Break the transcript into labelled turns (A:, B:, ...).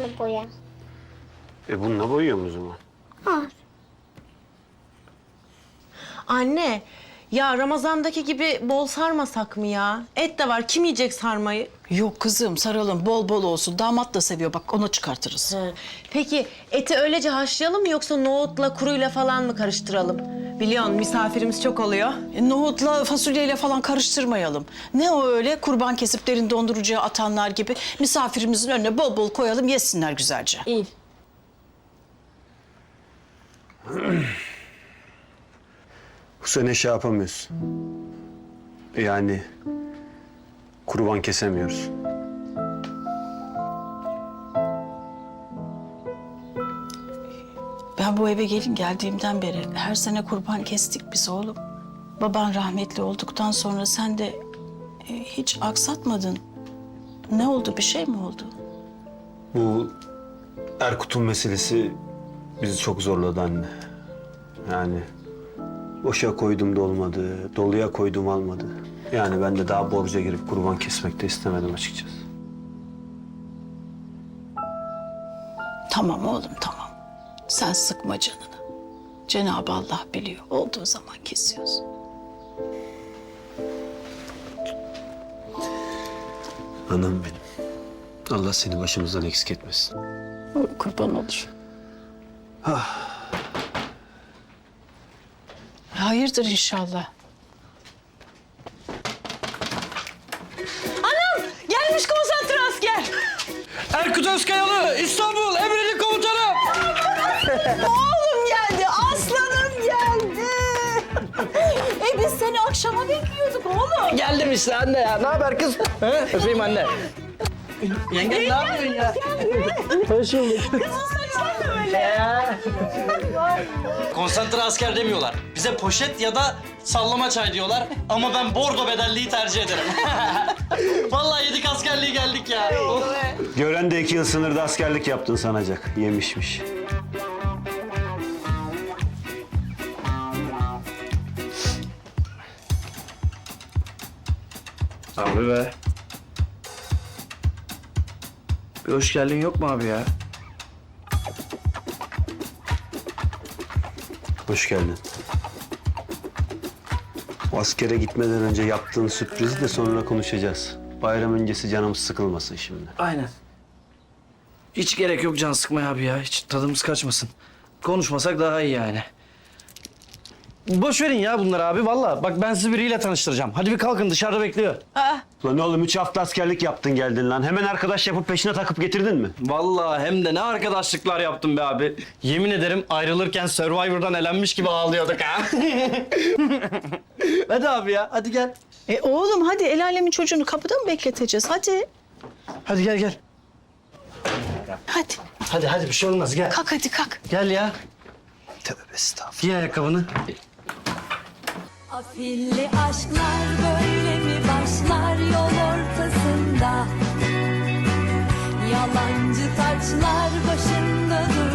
A: bunu boya.
B: Bununla boyuyorum o zaman.
A: Var.
C: Anne, ya Ramazan'daki gibi bol sarmasak mı ya? Et de var, kim yiyecek sarmayı?
D: Yok kızım saralım bol bol olsun. Damat da seviyor bak onu çıkartırız.
C: Peki eti öylece haşlayalım mı yoksa nohutla kuruyla falan mı karıştıralım? Biliyorsun misafirimiz çok oluyor.
D: Nohutla fasulyeyle falan karıştırmayalım. Ne o öyle kurban kesip derin dondurucuya atanlar gibi misafirimizin önüne bol bol koyalım yesinler güzelce.
C: İyi.
B: Bu sene şey yapamıyoruz. Yani kurban kesemiyoruz.
D: Ben bu eve gelin geldiğimden beri her sene kurban kestik biz oğlum. Baban rahmetli olduktan sonra sen de hiç aksatmadın. Ne oldu bir şey mi oldu?
B: Bu Erkut'un meselesi bizi çok zorladı anne. Yani boşa koydum da olmadı, doluya koydum almadı. Yani ben de daha borca girip kurban kesmek de istemedim açıkçası.
D: Tamam oğlum tamam. Sen sıkma canını. Cenab-ı Allah biliyor. Olduğu zaman kesiyoruz.
B: Anam benim. Allah seni başımızdan eksik etmesin.
D: Oy, kurban olur. Hayırdır inşallah.
C: Gelmiş konsantre asker.
E: Erkut Özkayalı, İstanbul Emredin Komutanım.
D: Oğlum geldi, aslanım geldi. Biz seni akşama bekliyorduk oğlum.
E: Geldim işte anne ya. Ne haber kız? He? Öpeyim anne. Yenge ne yapıyorsun ya? Hoş bulduk. Konsantre asker demiyorlar. Bize poşet ya da sallama çay diyorlar. Ama ben bordo bedelliği tercih ederim. Vallahi yedik askerliği geldik ya.
B: Gören de 2 yıl sınırda askerlik yaptın sanacak. Yemişmiş.
E: Abi be. Bir hoş geldin yok mu abi ya?
B: Hoş geldin. O askere gitmeden önce yaptığın sürprizi de sonra konuşacağız. Bayram öncesi canımız sıkılmasın şimdi.
E: Aynen. Hiç gerek yok can sıkmaya abi ya. Hiç tadımız kaçmasın. Konuşmasak daha iyi yani. Boş verin ya bunları abi vallahi. Bak ben sizi biriyle tanıştıracağım. Hadi bir kalkın dışarıda bekliyor.
B: Lan oğlum 3 hafta askerlik yaptın geldin lan. Hemen arkadaş yapıp peşine takıp getirdin mi?
E: Vallahi hem de ne arkadaşlıklar yaptım be abi. Yemin ederim ayrılırken Survivor'dan elenmiş gibi ağlıyorduk ha. Hadi abi ya hadi gel.
D: Oğlum hadi el alemin çocuğunu kapıda mı bekleteceğiz? Hadi.
E: Hadi gel.
D: Hadi.
E: Hadi bir şey olmaz gel.
D: Kalk hadi kalk.
E: Gel ya.
B: Tövbe estağfurullah.
E: Giy ayakkabını.
F: Afilli aşklar böyle mi başlar yol ortasında? Yalancı taçlar başında dur.